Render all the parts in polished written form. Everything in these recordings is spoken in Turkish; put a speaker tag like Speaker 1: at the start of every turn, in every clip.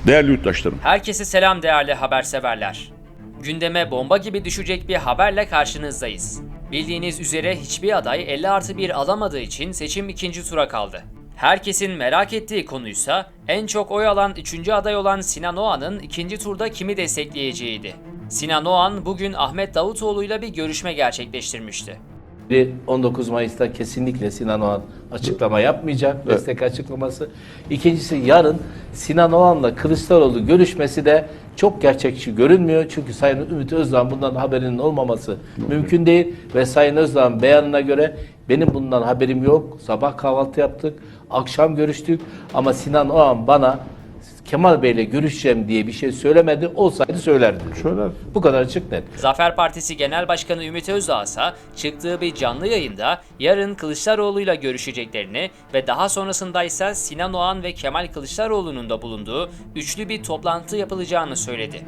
Speaker 1: Değerli yurttaşlarım,
Speaker 2: Herkese selam değerli haberseverler. Gündeme bomba gibi düşecek bir haberle karşınızdayız. Bildiğiniz üzere hiçbir aday 50+1 alamadığı için seçim ikinci tura kaldı. Herkesin merak ettiği konuysa en çok oy alan 3. aday olan Sinan Oğan'ın ikinci turda kimi destekleyeceğiydi. Sinan Oğan bugün Ahmet Davutoğlu'yla bir görüşme gerçekleştirmişti.
Speaker 3: 19 Mayıs'ta kesinlikle Sinan Oğan açıklama yapmayacak, destek açıklaması. İkincisi, yarın Sinan Oğan'la Kılıçdaroğlu görüşmesi de çok gerçekçi görünmüyor. Çünkü Sayın Ümit Özdağ'ın bundan haberinin olmaması mümkün değil. Ve Sayın Özdağ'ın beyanına göre benim bundan haberim yok. Sabah kahvaltı yaptık, akşam görüştük ama Sinan Oğan bana Kemal Bey'le görüşeceğim diye bir şey söylemedi. Olsaydı söylerdi.
Speaker 1: söyler.
Speaker 3: Bu kadar açık net.
Speaker 2: Zafer Partisi Genel Başkanı Ümit Özdağ ise çıktığı bir canlı yayında yarın Kılıçdaroğlu'yla görüşeceklerini ve daha sonrasında ise Sinan Oğan ve Kemal Kılıçdaroğlu'nun da bulunduğu üçlü bir toplantı yapılacağını söyledi.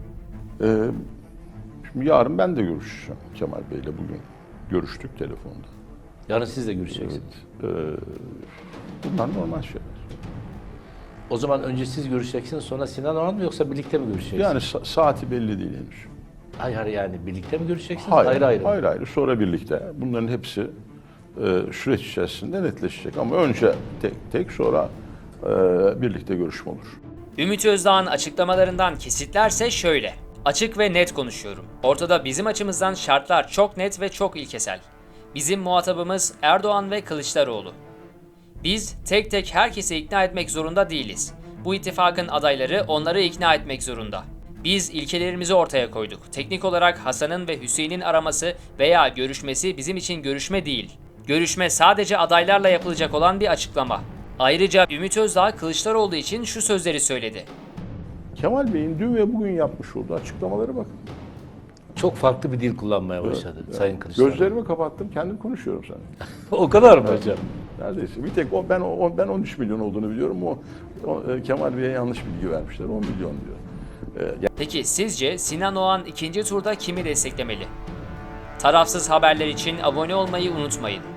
Speaker 1: Şimdi yarın ben de görüşeceğim Kemal Bey'le bugün. Görüştük telefonda.
Speaker 3: Yarın siz de görüşeceksiniz.
Speaker 1: Bunlar normal şeyler.
Speaker 3: O zaman önce siz görüşeceksiniz, sonra Sinan Oğan mı, yoksa birlikte mi görüşeceksiniz?
Speaker 1: Yani saati belli değil henüz.
Speaker 3: Hayır yani birlikte mi görüşeceksiniz?
Speaker 1: Hayır,
Speaker 3: Ayrı ayrı mı?
Speaker 1: Hayır ayrı, sonra birlikte. Bunların hepsi süreç içerisinde netleşecek. Ama önce tek tek, sonra birlikte görüşme olur.
Speaker 2: Ümit Özdağ'ın açıklamalarından kesitlerse şöyle. Açık ve net konuşuyorum. Ortada bizim açımızdan şartlar çok net ve çok ilkesel. Bizim muhatabımız Erdoğan ve Kılıçdaroğlu. Biz tek tek herkesi ikna etmek zorunda değiliz. Bu ittifakın adayları onları ikna etmek zorunda. Biz ilkelerimizi ortaya koyduk. Teknik olarak Hasan'ın ve Hüseyin'in araması veya görüşmesi bizim için görüşme değil. Görüşme sadece adaylarla yapılacak olan bir açıklama. Ayrıca Ümit Özdağ Kılıçdaroğlu için şu sözleri söyledi.
Speaker 1: Kemal Bey'in dün ve bugün yapmış olduğu açıklamalara bakın.
Speaker 3: Çok farklı bir dil kullanmaya başladı Sayın Kılıçdaroğlu.
Speaker 1: Gözlerimi kapattım, kendim konuşuyorum sana.
Speaker 3: O kadar mı hocam?
Speaker 1: Neredeyse. Bir tek ben 13 milyon olduğunu biliyorum. Kemal Bey'e yanlış bilgi vermişler. 10 milyon diyor.
Speaker 2: Peki sizce Sinan Oğan ikinci turda kimi desteklemeli? Tarafsız haberler için abone olmayı unutmayın.